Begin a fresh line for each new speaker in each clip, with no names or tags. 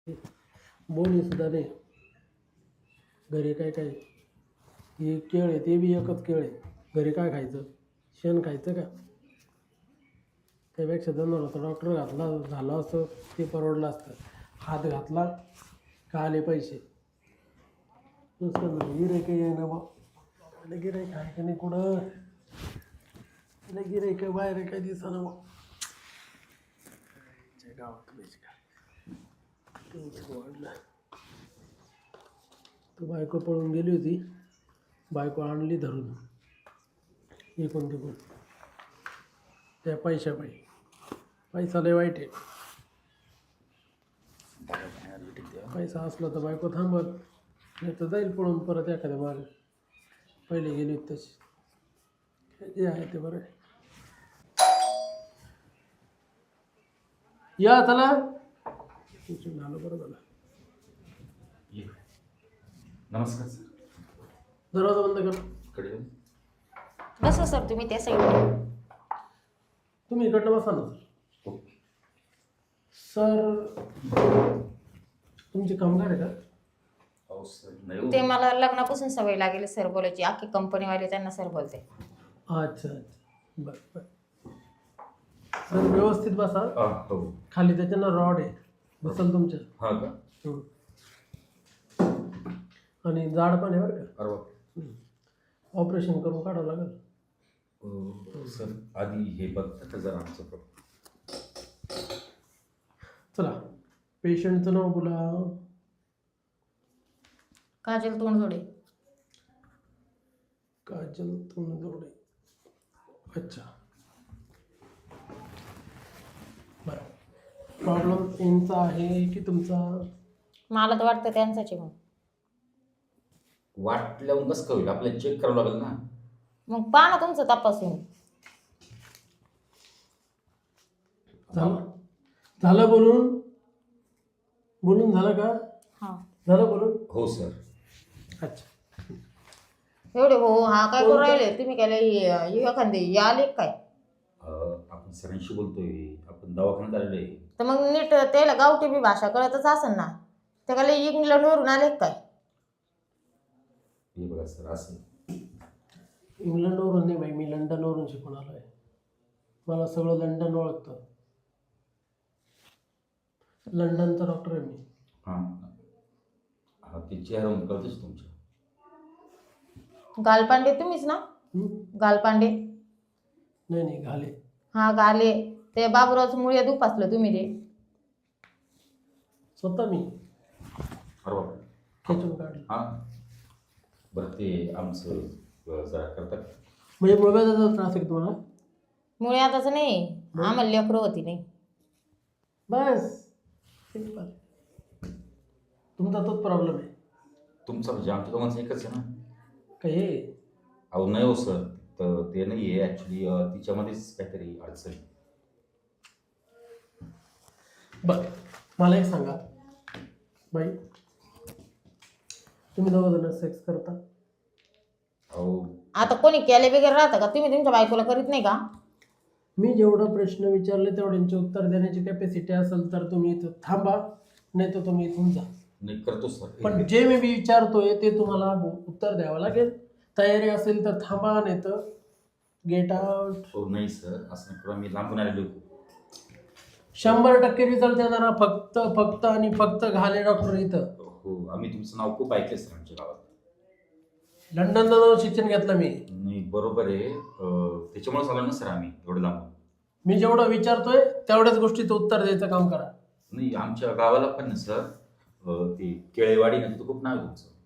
बोनी सुद्धा नाही. घरी काय काय हे केळ आहे, ते बी एकच केळ आहे. घरी काय खायचं? शेण खायचं का? त्यापेक्षा जनावराचा डॉक्टर घातला झालं असतं ते परवडलं असतं. हात घातला का आले पैसे. नुसतं गिऱ्हाईक आहे बा. गिऱ्हाईक आहे का नाही कुठं? गिऱ्हाईक बाहेर काय दिसना बा. गावात वाढलं. तर बायको पळून गेली होती. बायको आणली धरून इकून तिकून त्या पैशापायी. पैसा लय वाईट आहे. पैसा असला तर बायको थांबत, नाही तर जाईल पळून परत एखाद्या मागे. पहिले गेली होती तशी. जे आहे ते बरं आहे. या चला. झालं बरं झालं.
नमस्कार सर.
दरवाजा बंद कर.
कडे
बसा सर तुम्ही त्या साईडला.
तुम्ही इकडनं बसा ना सर.
ओके.
सर तुमचे कामगार आहे का?
हो सर. नाही
ते मला लग्नापासून सवय लागेल सर बोलायची. अख्खी कंपनीवाले त्यांना सर बोलते.
अच्छा अच्छा बरं बरं. सर व्यवस्थित बसा.
हो.
खाली त्याच्यानं रॉड आहे बसल तुमच्या.
हा का?
आणि जाड पण आहे बरं का.
अरे
ऑपरेशन करून काढावं लागेल.
सर आधी हे बघता जरा आमचं प्रॉब्लेम.
चला पेशंटचं नाव बोला.
काजल तोंडजोडे.
काजल तोंडजोडे. अच्छा बरं. प्रॉब्लेम यांचा आहे की तुमचा?
मला तर वाटतं त्यांचाच आहे. मग
वाटल्यावर कसं होईल? आपल्याला चेक करावं लागेल ना.
मग पहा ना तुमचं तपासून.
झालं बोलून? बोलून झालं का?
हा
झालं बोलून?
हो सर.
अच्छा
एवढे हो हा काय करू राहिले तुम्ही? काय एखादे आले काय?
आपण सरांशी बोलतोय. आपण दवाखान्यात आलेलो आहे.
तर मग नीट त्याला गावठी बी भाषा कळतच असेल ना. ते काय इंग्लंडवरून आले काय?
हे बघा सर असं.
इंग्लंडवरून नाही बाई, मी लंडनवरून शिकून आलो आहे. मला सगळं लंडन ओळखतं. लंडनचा डॉक्टर आहे मी.
हां हा ते चेहऱ्यावरून कळतच तुमच्या.
गालपांडे तुम्हीच ना? गालपांडे.
नाही नाही घाले.
हा गाले. ते बाबूरावचं मुळे दुपासलं तुम्ही ते.
स्वतः मी
अरे बापरे.
खेचून काढलं.
हां बरं ते आमचं जरा करतात.
म्हणजे मुळव्याधाचा त्रास आहे का तुम्हाला?
मुळे आताच नाही. आम्हाला लेकरं होती नाही.
बस सिंपल. तुमचा तोच प्रॉब्लेम आहे.
तुमचा म्हणजे आमच्या दोघांचं एकच आहे ना.
का हे?
अहो नाही हो सर. तर ते नाही आहे ॲक्च्युली तिच्यामध्येच काहीतरी अडचण.
बरं मला एक सांगा बाई, तुम्ही दोघं सेक्स करता?
अहो
आता कोणी केले वगैरे राहतं का? तुम्ही तुमच्या बायकोला करीत नाही का?
मी जेवढा प्रश्न विचारले तेवढ्यांचे उत्तर देण्याची कॅपॅसिटी असेल तर तुम्ही इथं थांबा, नाही तर तुम्ही इथून जा.
नाही करतो सर.
पण जे मी विचारतोय ते तुम्हाला उत्तर द्यावं लागेल. तयारी असेल तर थांबा, नाही तर गेट आउट.
हो नाही सर असं नाही करू. मी लांबून आलेलो.
100% रिझल्ट देणारा फक्त आणि फक्त घाले डॉक्टर इथं.
हो आम्ही तुमचं नाव खूप ऐकलं सर आमच्या गावात.
लंडनला जाऊन शिक्षण घेतलं मी.
नाही बरोबर आहे. त्याच्यामुळेच आलो ना सर आम्ही एवढं लांबून.
मी जेवढं विचारतोय तेवढ्याच गोष्टीचं उत्तर द्यायचं काम करा.
नाही आमच्या गावाला पण ना सर ते केळेवाडी ना तिथं खूप नाव आहे तुमचं.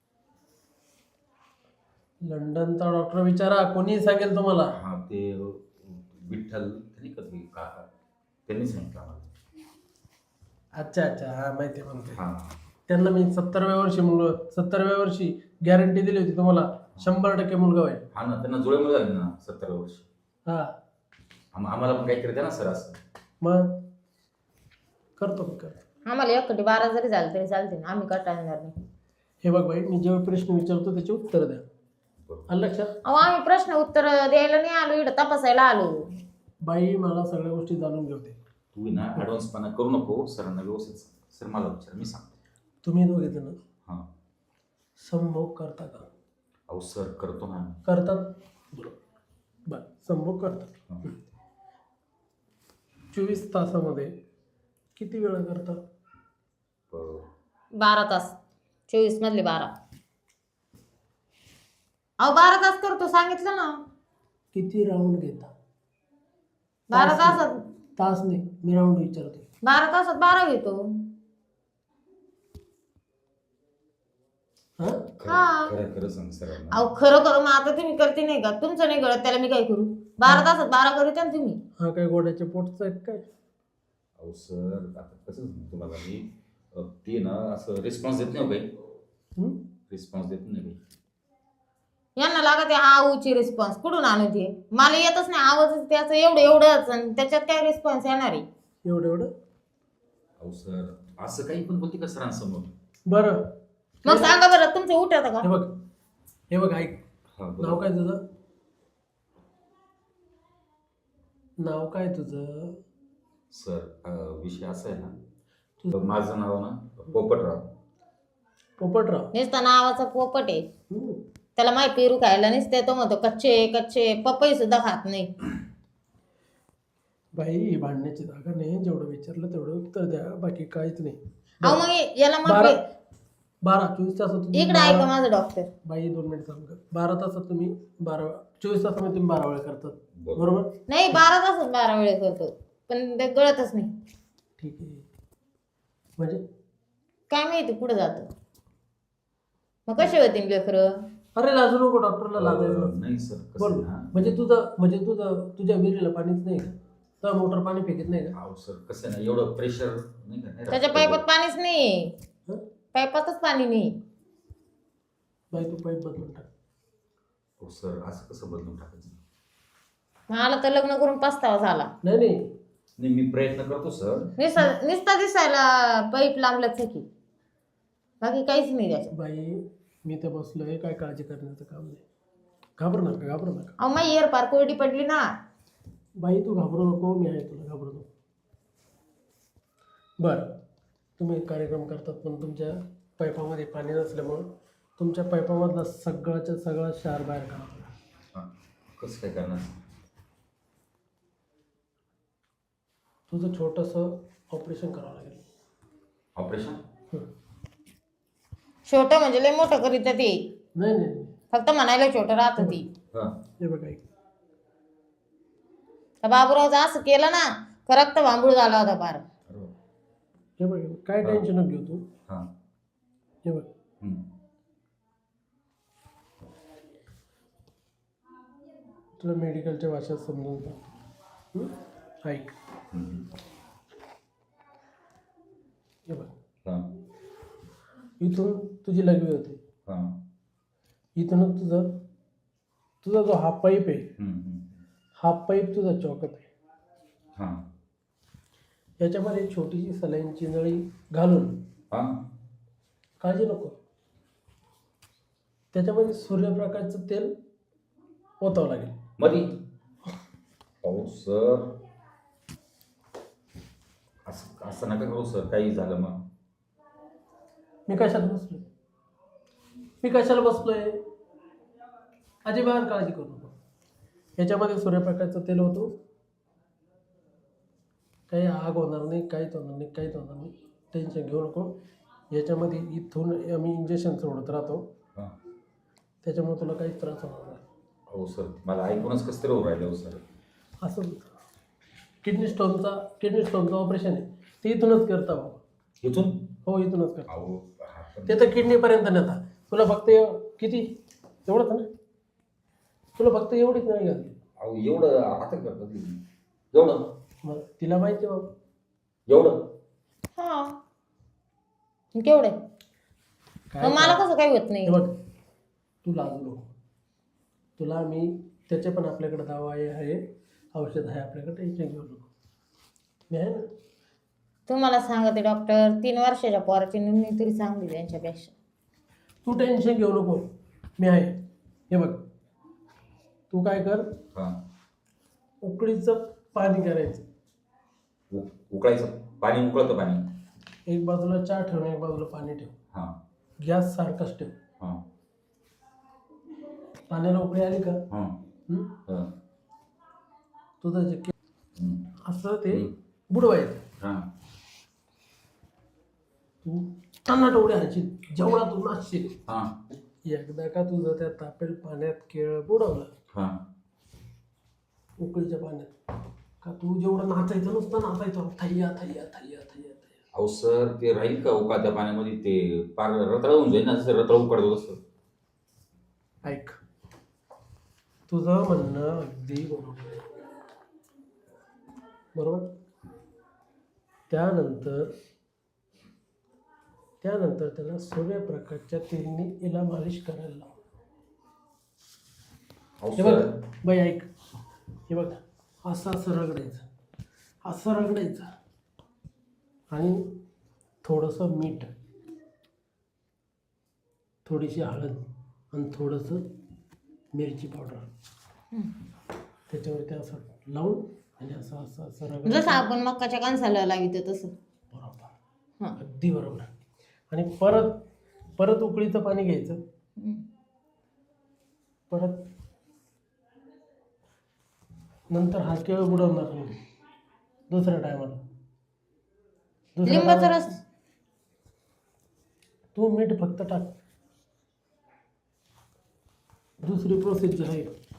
लंडनचा डॉक्टर विचारा, कोणी सांगेल तुम्हाला.
हां ते विठ्ठल त्यांनी कधी काका त्यांनी सांगितलं आम्हाला.
अच्छा अच्छा हा माहिती आहे म्हणते.
हां
त्यांना मी 70व्या वर्षी गॅरंटी दिली होती तुम्हाला 100% मुलगा होईल.
हां ना त्यांना जुळे मुलं झाले ना 70 वर्ष.
हा
आम्हाला पण काहीतरी द्या ना सर असं.
मग करतो.
आम्हाला एकटी 12 जरी झालं तरी चालते ना. आम्ही कटाळणार नाही.
हे बघ बाई, मी जेव्हा प्रश्न विचारतो त्याचे उत्तर द्या.
बरोबर.
आलं लक्षात?
अहो आम्ही प्रश्न उत्तर द्यायला नाही आलो, इकडं तपासायला आलो.
बाई मला सगळ्या गोष्टी जाणून घेऊ दे.
तू ना ॲडव्हान्सपणा करू नको, सरांना व्यवस्थित सांग. सर मला विचार, मी सांगतो.
तुम्ही दोघे जण
हां.
संभोग करता का?
अहो सर करतो ना.
करतात. बरं, संभोग करतात.
हां.
24 तासामध्ये किती वेळा करता?
12 तास. 24 मधले 12. अहो 12 तास करतो सांगितलं ना.
किती राऊंड घेता?
12 तासात
तास नाही, मी राऊंड विचारते.
12 तासात 12 घेतो.
हा?
हा.
खरं खरं सांग सरांना.
अहो खरं करू मग आता तुम्ही करते नाही का? तुमचं नाही कळत त्याला मी काय करू? 12 तासात 12 करू ना तुम्ही.
हा काय गोड्याच्या पोटचा आहे काय?
अहो सर आता कसं सांगू तुम्हाला मी, ते ना असं रिस्पॉन्स देत नाही काही.
हं?
रिस्पॉन्स देत नाही काही.
यांना लागत आहे आऊची रिस्पॉन्स. कुठून आणू ते? मला येतच नाही आवाज त्याचं एवढंच आणि त्याच्यात काय रिस्पॉन्स येणार आहे?
एवढं?
अहो सर असं काही पण बोलते का सरांसमोर?
बरं,
मग सांगा बरं तुमचं उठत का?
हे बघ ऐक.
हां
नाव काय तुझं? नाव काय तुझं?
सर विषय असा आहे ना, माझं नाव ना पोपटराव.
पोपटराव.
नुसतं नावाचा पोपट आहे.
हं.
त्याला माय पेरू खायला नसते तो म्हणतो कच्चे कच्चे पपई सुद्धा खात नाही.
बाई ही भांडण्याची जागा नाही. जेवढं विचारलं तेवढं उत्तर द्या, बाकी काहीच नाही.
अहो मग याला मग
24 तासात तुम्ही
इकडे ऐका माझं डॉक्टर.
बाई 2 मिनिट सांग. 12 तासात तुम्ही 24 तासामध्ये तुम्ही 12 वेळा करतात, बरोबर?
नाही 12 तासात 12 वेळेस करतो पण ते गळतच नाही.
ठीक आहे. म्हणजे
काय माहिती पुढे जातं. मग कसे होतील लेकरं?
अरे लाजू नको, डॉक्टरला लाजायचं.
नाही सर कसं
बोल.
आहे ना,
तुझ्या विहिरीला पाणीच नाही का? तर मोटर पाणी फेकत नाही का?
अहो सर कसं आहे ना, एवढं प्रेशर नाही का, नाही
त्याच्या
राहत.
पाईपात पाणीच नाही.
हं?
पाईपातच पाणी नाही.
बाई तू पाईप बदलून टाक.
हो सर असं कसं बदलून टाकायचं?
मला तर लग्न करून पस्तावा झाला.
नाही मी प्रयत्न करतो सर.
निस्ता दिसायला पाईप लांबलंच की बाकी काहीच नाही त्याच्यात.
बाई मी तर बसलोय, काय काळजी करण्याचं काम नाही. घाबरू नका.
अहो माझी एअर पार कोरडी पडली ना.
बाई तू घाबरू नको, मी आहे तुला, घाबरू नको. बरं, तुम्ही कार्यक्रम करतात पण तुमच्या पाईपामध्ये पाणी नसल्यामुळं तुमच्या पाईपामधला सगळ्याच्या सगळा क्षार बाहेर काढा.
हां कसं काय करणार?
तुझं छोटंसं ऑपरेशन करावं लागेल.
ऑपरेशन?
हं.
छोटं म्हणजे लय मोठं करीत ते.
नाही.
फक्त म्हणायला छोटं राहत ती.
हां.
हे बघ ऐक.
तर बाबूरावचं असं केलं ना का रक्त भांबूळ झाला होता पार.
हे बघ काय टेन्शन नको घेऊ तू.
हां.
हे बघ तुला मेडिकलच्या भाषेत समजून सांगतो. ऐक. हे बघ,
हां.
इथून तुझी लघवी होते.
हां.
इथूनच तुझा जो हा पाईप आहे, हा पाईप तुझा चौकत आहे.
हां.
याच्यामध्ये छोटीशी सलाईनची नळी घालून,
हां.
काळजी नको, त्याच्यामध्ये सूर्यप्रकाशचं तेल ओतावं लागेल.
मधी अहो सर असं नका करू सर, काही झालं मग.
मी कशाला बसलोय? अजिबात काळजी करू नको. याच्यामध्ये सूर्यप्रकाशचं तेल होतो, काही आग होणार नाही, काहीच होणार नाही. टेन्शन घेऊ नको. याच्यामध्ये इथून आम्ही इंजेक्शन सोडत राहतो,
हां.
त्याच्यामुळे तुला काहीच त्रास होणार नाही.
हो सर मला ऐकूनच कसं तरी होऊ राहिलं हो सर.
असं किडनी स्टोनचं ऑपरेशन आहे, ते इथूनच करता बाबा.
इथून?
हो इथूनच करता.
अहो
ते तर किडनीपर्यंत नेता. तुला फक्त किती एवढंच ना? तुला फक्त एवढीच नाही घालली.
अहो एवढं आता करतात तुम्ही? एवढं?
मग तिला माहिती बाबा.
एवढं?
हा केवढे मला कसं काही होत नाही.
बघ तू लाजू नको. तुला मी त्याचे पण आपल्याकडे दवा आहे, औषध आहे आपल्याकडे, टेन्शन घेऊ नको. मी आहे ना.
तुम्हाला सांगते डॉक्टर 3 वर्षाच्या पोराची नोंदणी तरी चांगली त्यांच्यापेक्षा.
तू टेन्शन घेऊ नको, मी आहे. हे बघ तू काय कर,
हां.
उकळीचं पाणी करायचं.
उकळायचं पाणी, उकळतं पाणी.
एक बाजूला चहा ठेव आणि एक बाजूला पाणी ठेव.
हां
गॅस सारखाच ठेव.
हां
पाण्याला उकळी आली का
हां
हं?
हां
तुझं जे
हं.
असं ते बुडवायचं.
हां
तू टनाट उड्या हाणशील जेवढा तू नाचशील.
हां
एकदा का तुझं त्या तापेल पाण्यात केळ बुडवलं
हां
उकळीच्या पाण्यात का तू जेवढं नाचायचं नुसतं नाचायचं थैया थैया थैया थैया थैया.
अहो सर ते राहील का उकाळत्या पाण्यामध्ये? ते पार रताळ होऊन जाईल ना, जसं रताळ उकडतो तसं.
ऐक तुझं म्हणणं अगदी बरोबर आहे. बरोबर. त्यानंतर त्याला सूर्यप्रकाशच्या तेलने इला मालिश करायला लाव.
अहो
हे बघ
सर
बाई ऐक, हे बघ असं असं रगडायचं आणि थोडंसं मीठ, थोडीशी हळद आणि थोडंसं मिरची पावडर त्याच्यावरती असं लावून आणि असं असं असं
जसं
रगडायचं.
आपण मक्काच्या कणसाला लावितो तसं.
बरोबर,
हां.
अगदी बरोबर. आणि परत उकळीचं पाणी घ्यायचं. परत नंतर हा केळ बुडवणार नाही दुसऱ्या टायमाला.
लिंबाचा रस.
तू मीठ फक्त टाक. दुसरी प्रोसेस जी आहे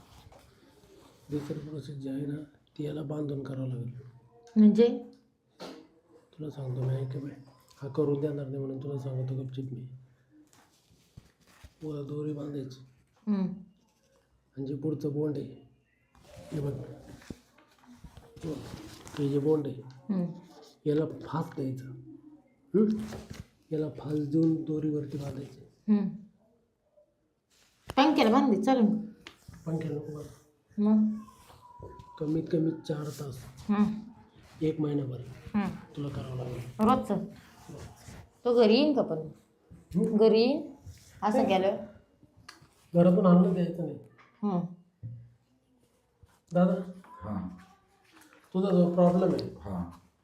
ना ती याला बांधून करावं लागेल.
म्हणजे
तुला सांगतो मी, ऐक बाय, हा करून देणार नाही म्हणून तुला सांगतो गपचिप मी. वर दोरी बांधायची आणि जे पुढचं बोंड आहे हे बघ, हे जे बोंड आहे याला फास द्यायचं. याला फास देऊन दोरीवरती बांधायचे.
पंख्याला बांधली चालेल.
पंख्या नको बांध.
मग
कमीत कमी 4 तास 1 महिनाभर तुला करावं लागेल
रोजचं. तो घरी येईन का पण? घरी येईन असं केलं.
घरातून आणलं द्यायचं नाही. दादा
हां
तुझा जो प्रॉब्लेम आहे
हां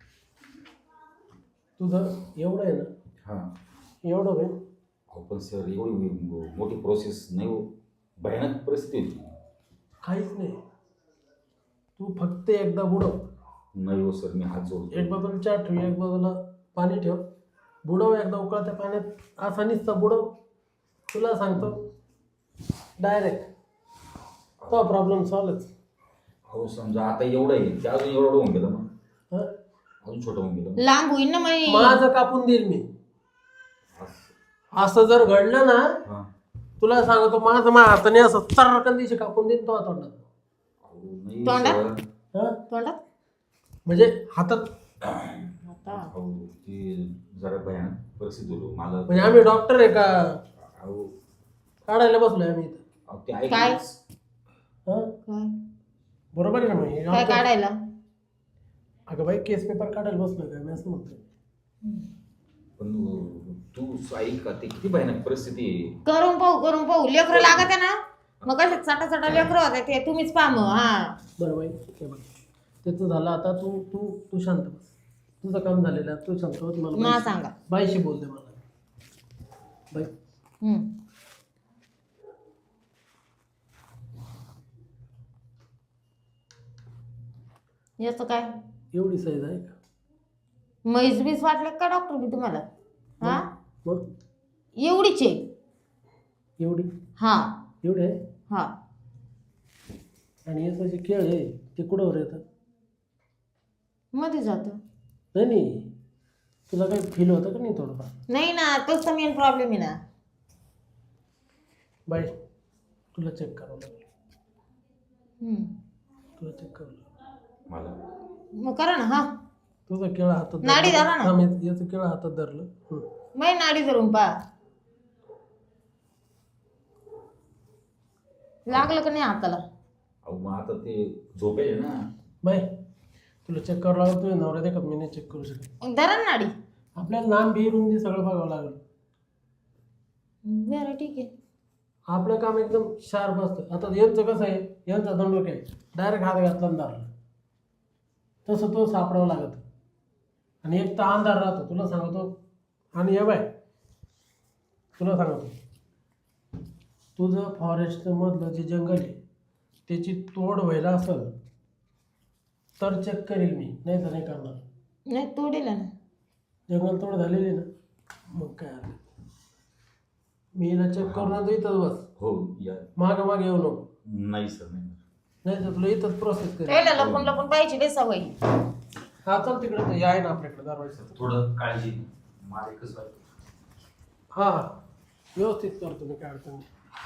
तुझं एवढं आहे ना,
हां
एवढं होईल.
अहो पण सर एवढी मोठी प्रोसेस नाही हो, भयानक परिस्थिती होती.
काहीच नाही. तू फक्त एकदा बुडव.
नाही हो सर, मी हात जोडतो.
एक बाजूला चहा ठेव, एक बाजूला पाणी ठेव. बुडव एकदा उकळत्या पाण्यात. असा नुसता बुडव. तुला सांगतो डायरेक्ट तो प्रॉब्लेम सॉल्वच.
अहो समजा आता एवढं आहे ते अजून एवढं होऊन गेलं मग,
हं?
अजून छोटं होऊन गेलं.
लांब होईन ना मग.
माझं कापून देईल मी.
असं.
असं जर घडलं ना
हां
तुला सांगतो माझं हाताने असं चर्रकन दिवशी कापून देईन तो तोंडात.
अहो नाही
तोंडात?
सर.
हं?
तोंडात
म्हणजे हातात.
आता
अहो ती जरा भयानक परिस्थिती होती मला.
म्हणजे आम्ही डॉक्टर आहे का
अहो
काढायला बसलोय आम्ही इथं.
अहो, ते
काय?
ऐकलंच.
हं?
काय
बरोबर आहे ना मग हे
काय
आमचं-
काढायला?
अगं बाई केस पेपर काढायला बसलोय का मी असं म्हणतोय.
पण तू ऐक का, ते किती भयानक परिस्थिती आहे.
करून पाहू लेकरं लागत आहे ना. मग कसे चटा लेकरं होते ते तुम्हीच पहा मग. हा
बरं बाई हे बघ त्याचं झालं. आता तू तू तू शांत बस. तुझं काम झालेलं आहे. तू शांत बस. मला
मला सांगा.
बाईशी बोलते मला बाई.
याचं काय
एवढी साईज आहे का?
म्हैस बीस वाटले का डॉक्टर मी तुम्हाला? हा
मग
एवढीच आहे.
एवढी
हा
एवढी आहे.
हा
आणि याचं जे केळ आहे ते कुठंवर येतं?
मध्ये जातं.
नाही तुला काही फील होतं का नाही थोडंफार?
नाही ना, तोच तर मेन प्रॉब्लेम आहे ना.
बाई तुला चेक करावं लागेल. तुला चेक करावं लागेल.
मला
मग करा ना. हा
तुझं केळं हातात
नाडी धरा ना.
याचं केळं हातात धरलं.
मै नाडी धरून पहा लागलं का नाही हाताला.
अहो मग आता ते झोपेल ना.
बाई तुला चेक करावं लागेल. तुझ्या नवऱ्या देखत मी नाही चेक करू शकत.
मग धरा ना नाडी.
आपल्याला नाम बी रुंदी सगळं बघावं लागेल.
बरं ठीक आहे.
आपलं काम एकदम शार्प असतं. आता यांचं कसं आहे, यांचा दंडोक आहे डायरेक्ट हात घातला आणि धरला. तसं तो सापडावं लागत. आणि एक तर अंधार राहतो तुला सांगतो. आणि हे बाय तुला सांगतो, तुझं फॉरेस्ट मधलं जे जंगल आहे त्याची तोड व्हायला असेल तर चेक करेल मी, नाही तर नाही करणार.
नाही तोडील ना.
जंगल तोड झालेली ना, मग काय आलं, मी हिला चेक करून आणतो इथंच बस.
हो या.
मागे मागे येऊ नको.
नाही सर नाही.
नाही तर तुला इथंच प्रोसेस करेल.
त्याला लपून लपून पाहिजे लय सवय.
हा चल तिकडे, तर आहे ना आपल्याकडे दरवाजा.
थोडं काळजी मला एकच बाई.
हा व्यवस्थित करतो मी, काय अडचण नाही.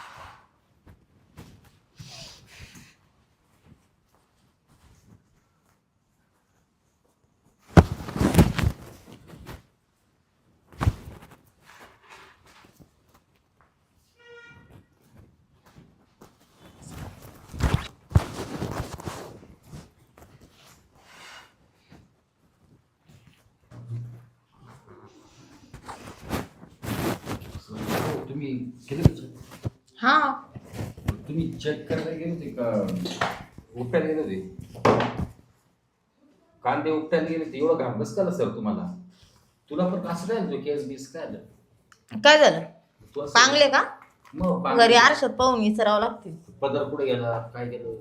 तुम्ही केलं
हा
तुम्ही चेक करायला गेले होते का उपटायला गेले होते? कांदे उपटायला गेले होते, एवढं घाम कसं सर तुम्हाला? तुला पण असं काय तो केस बीस काय आलं?
काय झालं?
तू असं-
पांगले का?
मग
घरी
पांगले.
आरशात पाहून विसरावं लागतील.
पदर कुठे गेला काय केलं?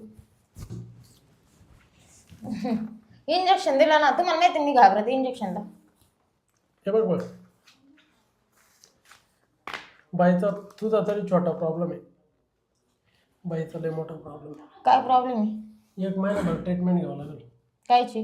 इंजेक्शन दिलं ना, तुम्हाला माहिती मी घाबरते इंजेक्शनला.
हे बघ बघ, बाईचा तुझा तरी छोटा प्रॉब्लेम आहे, बाईचा लय मोठा प्रॉब्लेम आहे.
काय प्रॉब्लेम आहे?
1 महिनाभर ट्रीटमेंट घ्यावं लागेल.
कायची?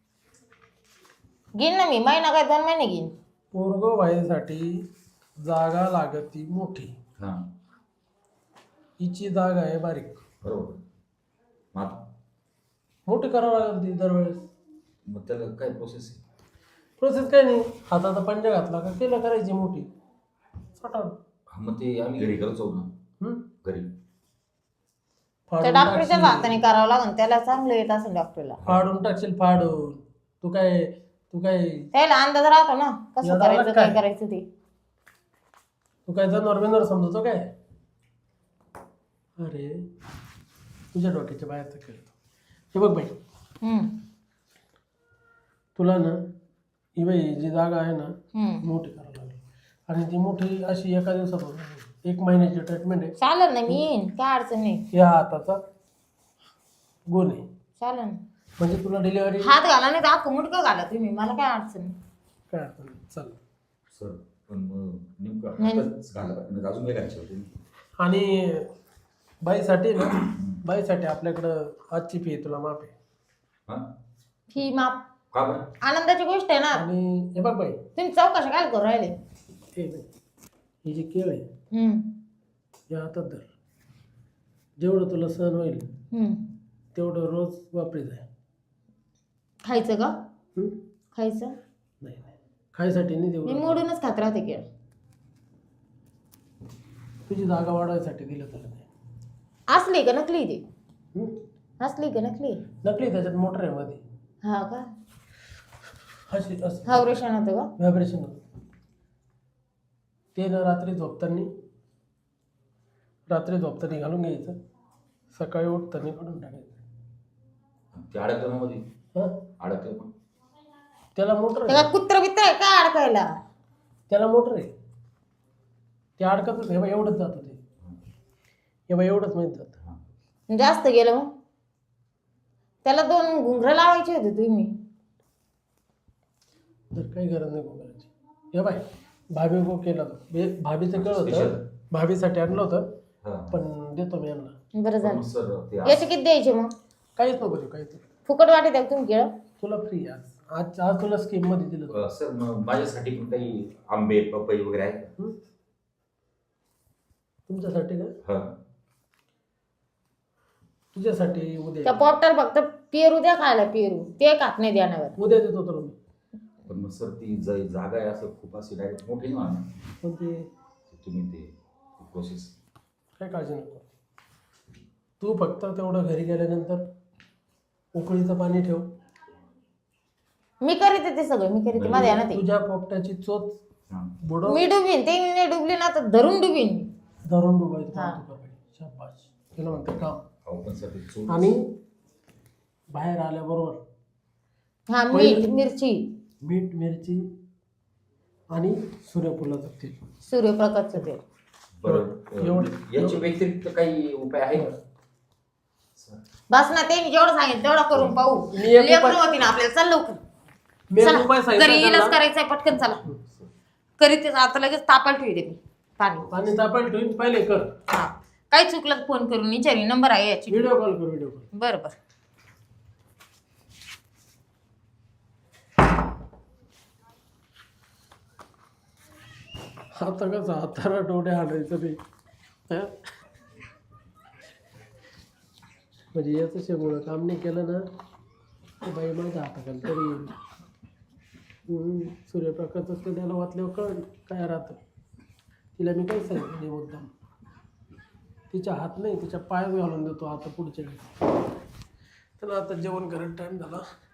घेईन ना मी, महिना काय 2 महिने घेईन.
पोरगो बाईसाठी जागा लागती मोठी,
हा
हिची जागा आहे बारीक.
बरोबर. मग
मोठी करावं लागेल ती दरवेळेस.
मग त्याला काय प्रोसेस आहे?
प्रोसेस काय नाही, हाताचा पंजा घातला का केलं करायची मोठी सटाण.
हा, मग ते आम्ही घरी करत जाऊ ना.
हम्म?
घरी
त्या
फाडून
डॉक्टरच्या
टाकशील,
हाताने करावं लागेल, त्याला चांगलं येत असेल डॉक्टरला.
फाडून टाकशील फाडून. तू काय
त्याला अंदाज राहतो ना कसं
याला
करायचं
काय?
काय करायचं ते.
तू काय जनावर बिनावर समजतो काय? अरे तुझ्या डोक्याच्या बाहेरचं खेळतो. हे बघ बाई,
हम्म,
तुला ना ही बाई जी जागा आहे ना
हम्म.
मोठी करावी लागेल. आणि ती मोठी अशी एका दिवसात होत नाही. 1 महिन्याची ट्रीटमेंट आहे.
चालेल ना, मी येईन, काय अडचण नाही.
या हाताचा गुण आहे,
चालेल ना.
म्हणजे तुला डिलिव्हरी
हात घाला नाही तर अख्खं मुडकं घाला तुम्ही, मला काय अडचण नाही.
काय अडचण नाही. चल.
सर पण मग नेमकं
नाही.
हातच घाला म्हणजे अजून काय करायचं होतं?
आणि बाईसाठी ना, बाईसाठी आपल्याकडं आजची फी तुला माफ आहे.
हा
ही माप
का बरं?
आनंदाची गोष्ट आहे ना.
आणि हे बघ बाई,
तुम्ही चौकशा काय करू राहिले?
हे बघ, ही जी केळ आहे
हम्म,
या हातात धर. जेवढं तुला सहन होईल
हम्म.
तेवढं रोज वापरी जाय.
खायचं का?
हम्म?
खायचं?
नाही नाही, खायसाठी नाही
मी
देऊ.
मोडूनच खात राहते केळ.
तुझी जागा वाढवायसाठी दिलं तुला ते.
असली का नकली ते?
हम्म?
असली का नकली?
नकली, त्याच्यात मोटर आहे मध्ये.
हा का?
अशी असं
हावरेशन होतं का?
व्हायब्रेशन होतं. ते ना रात्री झोपताना घालून घ्यायचं, सकाळी उठताना काढून टाकायचं.
ते अडकलं मध्ये
हां,
अडकलं पण
त्याला मोटर
त्याला
आहे.
कुत्र बित्र आहे काय अडकायला?
त्याला मोटर आहे, ते अडकतच. हे बा एवढंच जातं ते. हे बा एवढंच माहीत जातं.
हा.
जास्त गेलं मग? त्याला 2 घुंगरं लावायचे होते तुम्ही.
तर काही गरज नाही करायची. हे बाय, भाभी को केलं होतं, भाभीचं केलं होतं,
Special.
भाभीसाठी आणलं होतं.
हा.
पण देतो मी यांना.
बरं
पण
झालं.
मग सर ते
याचे किती द्यायचे मग?
काहीच नको देऊ, काहीच नको.
फुकट वाटे द्या तुम्ही केळ?
तुला फ्री आज तुला स्कीम मध्ये दिलं होतं.
सर मग माझ्यासाठी पण काही आंबे पपई वगैरे आहे का?
हं? तुमच्यासाठी का?
हा.
तुझ्यासाठी
त्या
उद्या
पोपटाला फक्त पेरू द्या खायला, पेरू ते खात नाही द्यानावर.
उद्या देतो तुला मी.
पण मग सर ती जागा आहे असं खूप अशी डायरेक्ट मोठी ना
पण ते
तुम्ही ते प्रोसेस
काय काळजी नको. तू फक्त तेवढं घरी गेल्यानंतर उकळीचं पाणी ठेव.
मी करीते ते सगळं, मी करीते माझ्या ना ते.
तुझ्या पोपटाची चोच बुडव,
मी डुबीन, ते मी नाही डुबली ना तर धरून डुबीन.
धरून डुबायचं
हा.
काम तू कर बाई. शाबास, तुला म्हणते काम.
पण सर ते चूक
आणि बाहेर आल्याबरोबर
हा मीठ मिरची
मीठ मिरची आणि सूर्यफुलाचं तेल.
सूर्यप्रकाशचं तेल.
बरं याच्या व्यतिरिक्त काही उपाय आहे का?
बस ना, ते मी जेवढं सांगितलं तेवढं करून पाहू.
मी एक
लेकरं
उपाय-
होती ना आपल्याला. चल लवकर
मी एक
चला,
उपाय
घरी
सांगितला
इलाज
त्यांना.
करायचंय, पटकन चला. करीत आता लगेच तापायला ठेवते मी पाणी.
पाणी तापायला ठेवून पहिले कर.
हा, काही चुकलं तर फोन करून विचारी, नंबर आहे याची.
व्हिडिओ कॉल कर, व्हिडिओ कॉल.
बरं बरं.
आता कसं हाताला डोळे आणायचं नाही हं? म्हणजे याचं शेमुळं काम नाही केलं ना तर बाई माझ्या हाताखाली तरी येईल. सूर्यप्रकाशचं ते त्याला वाचल्यावर कळ काय राहतं. तिला मी काही सांगितलं नाही मुद्दाम. तिच्या हात नाही, तिच्या पायात घालून देतो आता पुढच्या वेळेस. चला आता जेवण करायला टाईम झाला.